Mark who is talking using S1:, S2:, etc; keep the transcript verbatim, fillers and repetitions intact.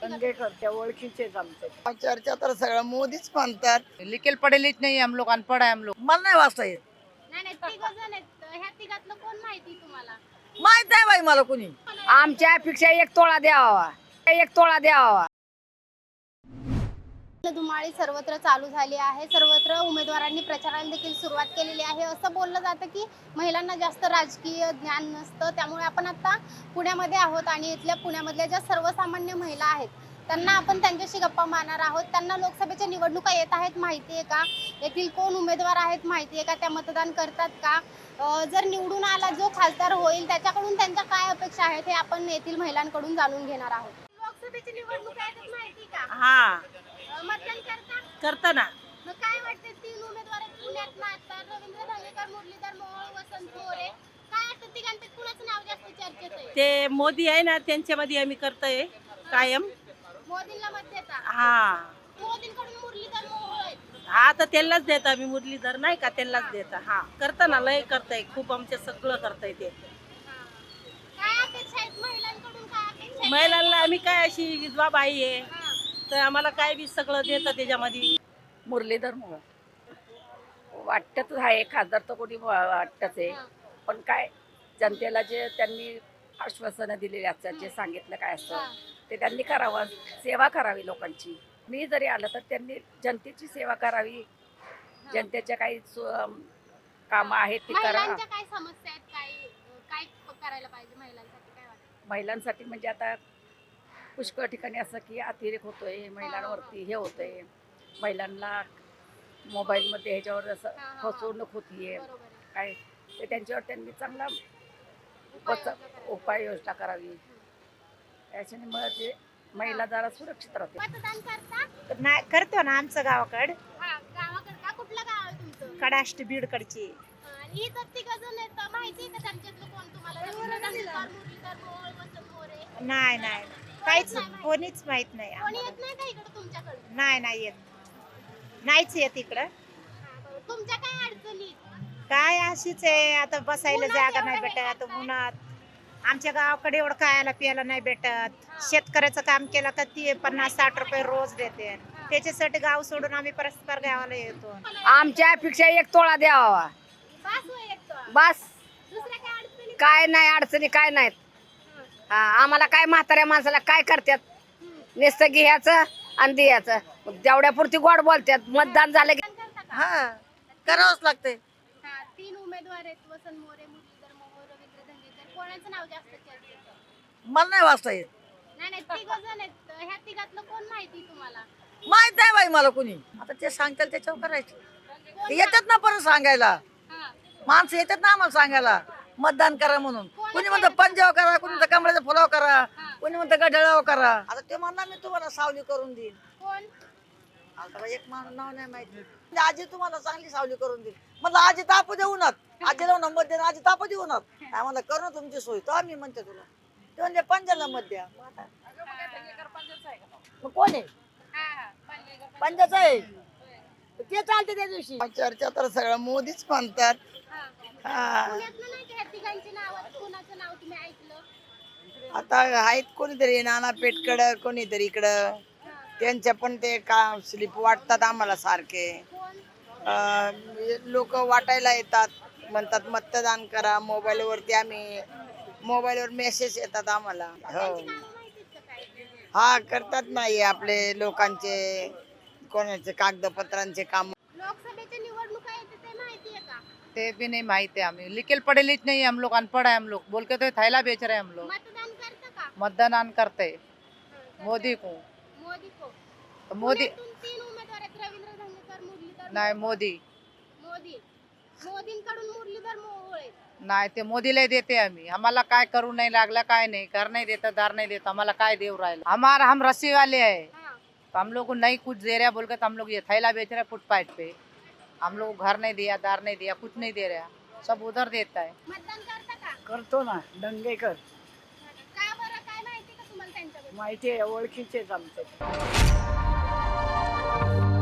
S1: दंगेकर त्या ओळखीचेच आमचे.
S2: चर्चा तर सगळं मोदीच म्हणतात.
S3: लिखेल पडेलीच नाही हम लोग, अनपढ़ है हम लोग.
S2: मला नाही वाचता येत.
S4: नाही नाही तिघ जण आहेत. ह्या तिघातलं कोण माहिती तुम्हाला?
S2: माहित नाही बाई मला कोणी.
S1: आमच्या अपेक्षा एक तोळा द्यावा, एक तोळा द्यावा.
S4: धुमाळी सर्वत्र चालू झाली आहे. सर्वत्र उमेदवारांनी प्रचाराला देखील सुरुवात केलेली आहे. असं बोललं जातं की महिलांना जास्त राजकीय ज्ञान नसतं. त्यामुळे आपण आता पुण्यामध्ये आहोत आणि इथल्या पुण्यामधल्या ज्या सर्वसामान्य महिला आहेत त्यांना आपण त्यांच्याशी गप्पा मारणार आहोत. त्यांना लोकसभेच्या निवडणुका येत आहेत माहिती आहे का? येथील कोण उमेदवार आहेत माहिती आहे का? त्या मतदान करतात का? जर निवडून आला जो खासदार होईल त्याच्याकडून त्यांच्या काय अपेक्षा आहेत हे आपण येथील महिलांकडून जाणून घेणार आहोत. लोकसभेची निवडणुका आहेत माहिती का?
S5: हा
S4: मतदान करता
S5: करता ना.
S4: मग काय वाटतं? तीन उमेदवार आहेत पुण्यात नाचतात. रवींद्र धंगेकर, मुरलीधर मोहोळ, वसंत मोरे. काय वाटतं तिघांपैकी कुणाचं नाव जास्त चर्चेत आहे?
S5: ते मोदी आहे ना, त्यांच्यामध्ये आम्ही करतोय कायम.
S4: मोदींना मत देता?
S5: हा
S4: मोदींकडून मुरलीधर मोहोळ आहेत.
S5: हा तर त्यांनाच देता आम्ही. मुरलीधर नाही का, त्यांनाच देता. हा करता ना, लय करताय, खूप आमच्या सगळं करताय ते.
S4: काय अपेक्षा आहेत महिलांकडून? काय अपेक्षा आहेत?
S5: महिलांना आम्ही काय अशी विधवा बाई आहे
S4: हा.
S5: तर आम्हाला काय बी सगळं देतं त्याच्यामध्ये.
S1: मुरलीधर मोहोळ वाटतच आहे, खासदार तर कोणी वाटतच आहे. पण काय जनतेला जे त्यांनी आश्वासनं दिलेली असतात, जे सांगितलं काय असतं ते त्यांनी करावं, सेवा करावी लोकांची. मी जरी आलं तर त्यांनी जनतेची सेवा करावी, जनतेच्या काही कामं आहेत ती करा.
S4: महिलांच्या काय समस्या आहेत? काय काय करायला पाहिजे महिलांसाठी? काय वाटतं?
S1: महिलांसाठी म्हणजे आता पुष्कळ ठिकाणी असं की अतिरेक होतोय, महिलांवरती हे होतंय, महिलांना मोबाईलमध्ये ह्याच्यावर असं फसवणूक होतीये
S4: बरोबर आहे.
S1: काय, ते त्यांच्यावर त्यांनी चांगला
S4: उपाययोजना
S1: बच- उपाययोजना करावी. याच्याने मग ते महिला जरा सुरक्षित राहते.
S4: मतदान करता?
S6: नाही करतो ना आमचं गावाकड.
S4: हा, गावाकडे का? कुठलं गाव आहे तुमचं?
S6: कडाष्ट बीडकडची.
S4: आणि इथं तिघ जण आहेत. माहिती आहे का त्यांच्यातलं कोण तुम्हाला? रवींद्र धंगेकर, मुरलीधर मोहोळ, वसंत मोरे.
S6: नाही नाही काहीच कोणीच माहित नाही
S4: कोणी
S6: आम्हाला.
S4: येत नाही का इकडे तुमच्याकडे?
S6: नाही नाही येत, नाहीच येत इकडं.
S4: तुमच्या काय अडचणी?
S6: काय अशीच आहे, आता बसायला जागा नाही भेटत उन्हात. आमच्या गावाकडे एवढं खायला प्यायला नाही भेटत. शेतकऱ्याचं काम केलं का ते पन्नास साठ रुपये रोज देते. त्याच्यासाठी गाव सोडून आम्ही परस्पर गावाला येतो.
S1: आमच्या अपेक्षा एक तोळा द्यावा,
S4: बस होय येतो.
S1: बस.
S4: दुसऱ्या काय अडचणी?
S1: काय नाही अडचणी, काय नाहीत. हा, आम्हाला काय म्हाताऱ्या माणसाला काय करतात, नुसतं घ्यायचं आणि द्यायचं. जेवढ्या पुरती गोड बोलतात. मतदान झालं की
S4: मतदान करता का?
S2: हा करावंच लागतंय.
S4: हा, तीन उमेदवार आहेत. वसंत मोरे, मुरलीधर मोहोळ, रवींद्र धंगेकर. कोणाचं नाव जास्त चर्चेत आहे?
S2: मला नाही वाचता येत.
S4: नाही नाही तिघ जण आहेत. ह्या तिघातलं कोण माहिती तुम्हाला?
S2: माहित नाही बाई मला कोणी. आता ते सांगतील त्याच्यावर करायचं. ते येतात ना परत सांगायला,
S4: हा.
S2: माणसं येतात ना आम्हाला सांगायला मतदान करा म्हणून. कोणी म्हणतं पंजाब करा, कोणी म्हणतं कमळाचा फुलाव करा, कोणी म्हणतं गढळाव करा. आता ते म्हणणार मी तुम्हाला सावली करून देईन.
S4: कोण?
S2: आता बाई एक माणूस नाव नाही माहिती. म्हणजे आजी तुम्हाला चांगली सावली करून देईल. म्हटलं आजी तापू देऊ ना, आजीला नंबर दे, आजी तापू देऊ ना. काय म्हणलं करू ना तुमची सोय, तो आम्ही म्हणते तुला. ते म्हणजे पंजाला मत द्या. मग कोण आहे?
S4: हा हा पालघर.
S2: पंजाचं आहे ते चालते त्या दिवशी. चर्चा तर सगळं मोदीच म्हणतात.
S4: हा.
S2: हा.
S4: पुण्यातलं नाही का ह्या तिघांची नावं? कुणाचं नाव तुम्ही ऐकलं?
S2: आता आहेत कोणीतरी नाना पेटकडं, कोणीतरी इकडं. त्यांच्या पण ते का स्लिप वाटतात आम्हाला सारखे.
S4: कोण?
S2: लोक वाटायला येतात, म्हणतात मतदान करा. मोबाईलवरती आम्ही मोबाईलवर मेसेज येतात आम्हाला. हो
S4: नावं माहितीत का काय?
S2: हा करतात नाही आपले लोकांचे कोणाचे कागदपत्रांचे काम.
S4: लोकसभेच्या निवडणुका येते ते माहिती आहे का?
S3: ते भी नहीं माहित है हमें. लिखेल पडेलीच नहीं हम लोग, अनपढ़ है हम लोग. बोल के तो थैला बेच रहे हैं हम लोग.
S4: मतदान करता का?
S3: मतदान करते
S4: हा,
S3: मोदी को.
S4: मोदी को.
S3: तो मोदी
S4: पुण्यातून तीन उमेदवार आहेत. रवींद्र धंगेकर, मुरलीधर
S3: नहीं, मोदी
S4: मोदी. मोदींकडून मुरलीधर मोहोळ आहेत.
S3: नाही, ते मोदीला देते आम्ही. आम्हाला काय करू नाही लागलं, काय नाही कर नहीं देता, दार नहीं देता. आम्हाला काय देव राहिला. हमारा हम रस्सी वाले है,
S4: हा.
S3: तो हम लोग को नहीं कुछ दे रहा बोल के तो हम लोग ये थैला बेच रहे फुटपाथ पे. हम लोग को घर नहीं दिया, दार नहीं दिया, कुछ नहीं दे रहा. सब उधर देता है.
S4: मतदान करता का?
S1: करतो ना. दंगेकर
S4: का बरं? काय माहिती का तुम्हाला त्यांच्याबद्दल?
S1: माहिती आहे, ओळखीचेच आमचे.